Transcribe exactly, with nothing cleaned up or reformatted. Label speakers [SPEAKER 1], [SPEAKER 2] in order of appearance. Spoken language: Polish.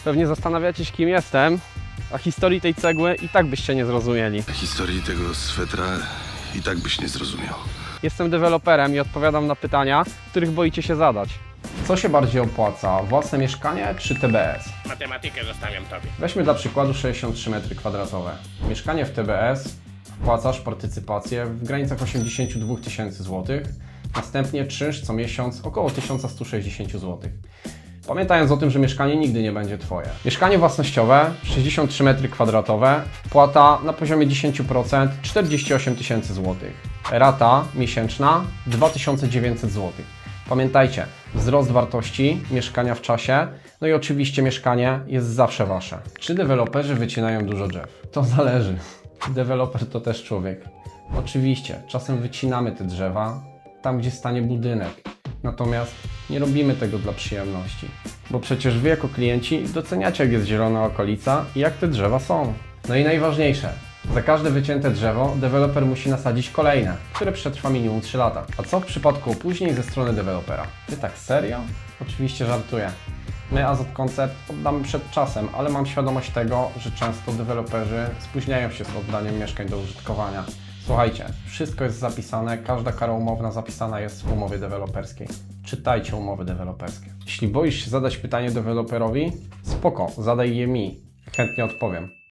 [SPEAKER 1] Pewnie zastanawiacie się, kim jestem, a historii tej cegły i tak byście nie zrozumieli.
[SPEAKER 2] Historii tego swetra i tak byś nie zrozumiał.
[SPEAKER 1] Jestem deweloperem i odpowiadam na pytania, których boicie się zadać. Co się bardziej opłaca, własne mieszkanie czy T B S?
[SPEAKER 3] Matematykę zostawiam tobie.
[SPEAKER 1] Weźmy dla przykładu sześćdziesiąt trzy metry kwadratowe. Mieszkanie w T B S wpłacasz partycypację w granicach osiemdziesiąt dwa tysięcy złotych, następnie czynsz co miesiąc około tysiąc sto sześćdziesiąt złotych. Pamiętając o tym, że mieszkanie nigdy nie będzie Twoje. Mieszkanie własnościowe, sześćdziesiąt trzy metry kwadratowe, wpłata na poziomie dziesięć procent, czterdzieści osiem tysięcy złotych. Rata miesięczna dwa tysiące dziewięćset złotych. Pamiętajcie, wzrost wartości mieszkania w czasie, no i oczywiście mieszkanie jest zawsze Wasze. Czy deweloperzy wycinają dużo drzew? To zależy. Deweloper to też człowiek. Oczywiście, czasem wycinamy te drzewa tam, gdzie stanie budynek. Natomiast nie robimy tego dla przyjemności, bo przecież Wy jako klienci doceniacie, jak jest zielona okolica i jak te drzewa są. No i najważniejsze, za każde wycięte drzewo deweloper musi nasadzić kolejne, które przetrwa minimum trzy lata. A co w przypadku opóźnień ze strony dewelopera? Ty tak serio? Oczywiście żartuję. My Azot Concept oddamy przed czasem, ale mam świadomość tego, że często deweloperzy spóźniają się z oddaniem mieszkań do użytkowania. Słuchajcie, wszystko jest zapisane, każda kara umowna zapisana jest w umowie deweloperskiej. Czytajcie umowy deweloperskie. Jeśli boisz się zadać pytanie deweloperowi, spoko, zadaj je mi. Chętnie odpowiem.